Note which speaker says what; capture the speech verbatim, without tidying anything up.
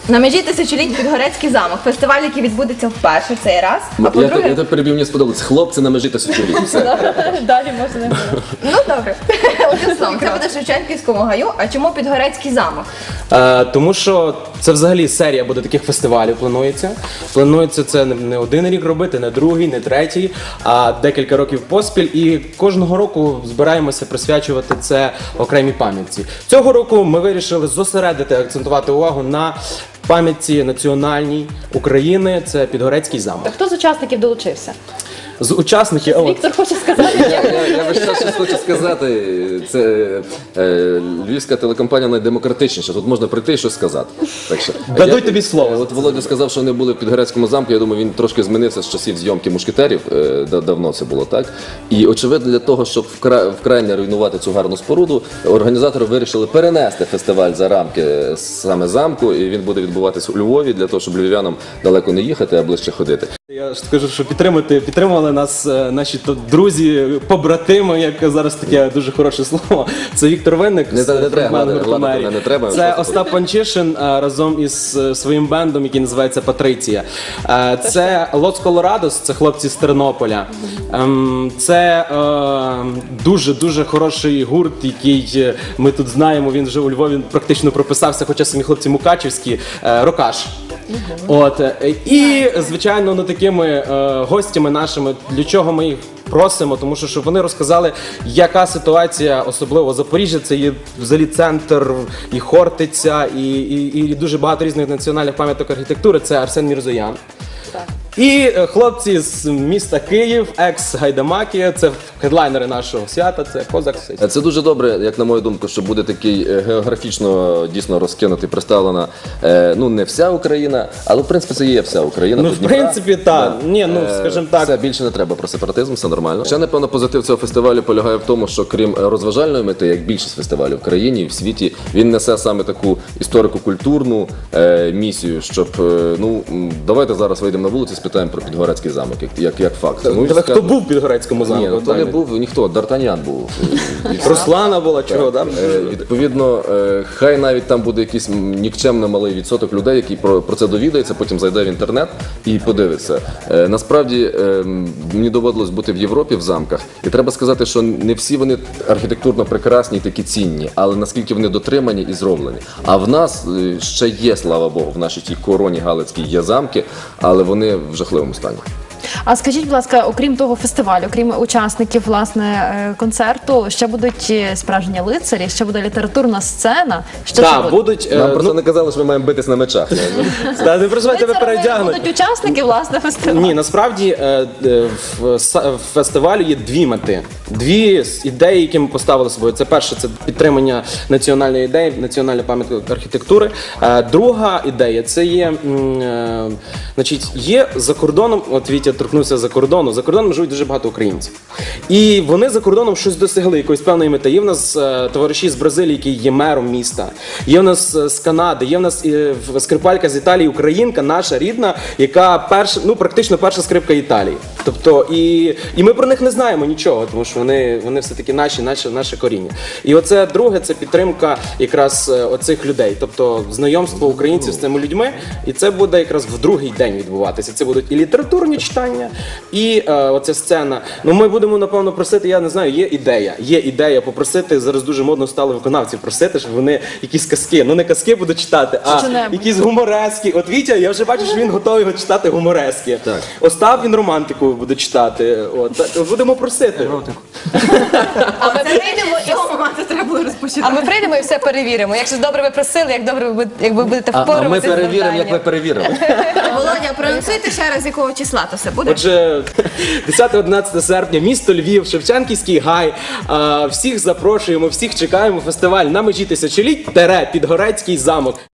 Speaker 1: На межі тисячоліть Підгорецький замок. Фестиваль, який відбудеться вперше в цей раз. А
Speaker 2: Я
Speaker 1: по-друге...
Speaker 2: тебе перебив, мені сподобалось. Хлопці на межі тисячоліть. Все.
Speaker 3: Далі можна не говорити.
Speaker 1: Ну добре. Одним словом, це буде в Шевченківському гаю. А чому Підгорецький замок?
Speaker 4: Е, тому що це взагалі серія буде таких фестивалів планується. Планується це не- не один рік робити, не другий, не третій, а декілька років поспіль. І кожного року збираємося присвячувати це окремій пам'ятці. Цього року ми вирішили зосередити, акцентувати увагу на пам'ятці національній України. Це Підгорецький замок.
Speaker 3: Хто з учасників долучився?
Speaker 4: З учасників от,
Speaker 3: Віктор хоче сказати.
Speaker 2: Я, я, я весь час щось хочу сказати. Це е, львівська телекомпанія найдемократичніша. Тут можна прийти і щось сказати. Так що,
Speaker 4: Дадуть
Speaker 2: я-
Speaker 4: тобі слово.
Speaker 2: От Володя сказав, що вони були в Підгорецькому замку. Я думаю, він трошки змінився з часів зйомки мушкетерів. Е, да- давно це було так. І очевидно, для того, щоб вкра... вкрай не руйнувати цю гарну споруду, організатори вирішили перенести фестиваль за рамки саме замку. І він буде відбуватись у Львові для того, щоб львів'янам далеко не їхати, а ближче ходити.
Speaker 4: Я ж скажу, що підтримати, підтримували нас е, наші то друзі, побратими, як зараз таке дуже хороше слово. Це Віктор Винник,
Speaker 2: Не
Speaker 4: з
Speaker 2: треба, не треба,
Speaker 4: фронтмен
Speaker 2: гладити
Speaker 4: гурту
Speaker 2: мене
Speaker 4: «Мерія».
Speaker 2: не треба,
Speaker 4: Це
Speaker 2: просто
Speaker 4: Остап Панчишин е, разом із е, своїм бендом, який називається «Патриція». Е, Це Лос Колорадос, це хлопці з Тернополя. Ем, Це дуже-дуже хороший гурт, який е, ми тут знаємо, він вже у Львові практично прописався, хоча самі хлопці мукачівські, е, Рокаш. От е, і звичайно, ну такими е, гостями нашими, для чого ми їх просимо, тому що щоб вони розказали, яка ситуація, особливо Запоріжжя, це є взагалі центр і Хортиця, і, і, і дуже багато різних національних пам'яток архітектури. Це Арсен Мірзоян. І е, хлопці з міста Київ, екс-гайдамаки, це хедлайнери нашого свята, це Козак.
Speaker 2: Це дуже добре, як на мою думку, що буде такий е, географічно дійсно розкинутий, представлена е, ну не вся Україна, але в принципі це є вся Україна.
Speaker 4: Ну,
Speaker 2: до
Speaker 4: в
Speaker 2: Дніпра.
Speaker 4: принципі, так.
Speaker 2: Да.
Speaker 4: Ні, ну,
Speaker 2: Е,
Speaker 4: скажімо так.
Speaker 2: Все, більше не треба про сепаратизм, все нормально. Ще, напевно, позитив цього фестивалю полягає в тому, що крім розважальної мети, як більшість фестивалів в країні і в світі, він несе саме таку історико-культурну е, місію, щоб, е, ну, м, давайте зараз вийдемо на вулицю і спитаємо про Підгорецький замок, як, як, як факт. Ну, і
Speaker 4: Тебе хто
Speaker 2: скажемо-
Speaker 4: був в Підгорецькому замку?
Speaker 2: Ні, ну то не був ніхто, Д'Артаньян був.
Speaker 4: Руслана була, чого, так?
Speaker 2: Е, Відповідно, е, хай навіть там буде якийсь м, нікчемно малий відсоток людей, які про, про це довідається, потім зайде в інтернет і подивиться. Е, Насправді е, м, мені доводилось бути в Європі в замках, і треба сказати, що не всі вони архітектурно прекрасні і такі цінні, але наскільки вони дотримані і зроблені. А в нас е, ще є, слава Богу, в нашій тій короні Галицькій є замки, але вони в жахливому стані.
Speaker 3: А скажіть, будь ласка, окрім того фестивалю, окрім учасників власне е, концерту, ще будуть е, справжні лицарі, ще буде літературна сцена. Що ще
Speaker 4: Так,
Speaker 3: буде?
Speaker 4: будуть. е,
Speaker 2: Нам
Speaker 4: ну,
Speaker 2: просто не казали, що ми маємо битись на мечах.
Speaker 4: та, не переживай, тебе
Speaker 3: Лицарами
Speaker 4: передягнуть.
Speaker 3: будуть учасники власне фестивалю.
Speaker 4: Ні, насправді е, е, в са- в фестивалю є дві мети. Дві з ідеї, які ми поставили собою. Це перше, це підтримання національної ідеї, національної пам'ятки архітектури. Е, Друга ідея це є, м, е, значить, є за кордоном, от Вітя торкнувся за кордону. За кордоном живуть дуже багато українців. І вони за кордоном щось досягли, якоїсь певної мети. Є в нас е, товариші з Бразилії, які є мером міста. Є в нас е, з Канади, є в нас е, в- скрипалька з Італії, українка, наша рідна, яка перша, ну практично перша скрипка Італії. Тобто, і, і ми про них не знаємо нічого, тому що вони, вони все-таки наші, наші, наше коріння. І оце друге, це підтримка якраз е, оцих людей, тобто знайомство українців з цими людьми, і це буде якраз в другий день відбуватися. Це будуть і літературні читання, і е, оця сцена. Ну ми будемо, напевно, просити, я не знаю, є ідея, є ідея попросити, зараз дуже модно стало виконавців просити, щоб вони якісь казки, ну не казки будуть читати, а
Speaker 3: Що-небудь.
Speaker 4: якісь гуморески. От Вітя, я вже бачу, що він готовий його читати гуморески.
Speaker 2: Так.
Speaker 4: Остап, він романтику буде читати. От, так, будемо просити.
Speaker 1: А ми прийдемо і цього моменту треба було
Speaker 3: А
Speaker 1: розпочинати.
Speaker 3: ми прийдемо і все перевіримо. Якщо добре ви просили, як добре ви будете, як ви будете
Speaker 2: А, а
Speaker 3: впоратися
Speaker 2: ми
Speaker 3: з
Speaker 2: перевіримо, як ми
Speaker 3: завданням.
Speaker 2: перевіримо.
Speaker 1: Володя, проанонсуйте ще раз, якого числа то все буде?
Speaker 4: Отже, десяте-одинадцяте серпня, місто Львів, Шевченківський гай. А, всіх запрошуємо, всіх чекаємо. Фестиваль на межі тисячоліть, тере, Підгорецький замок.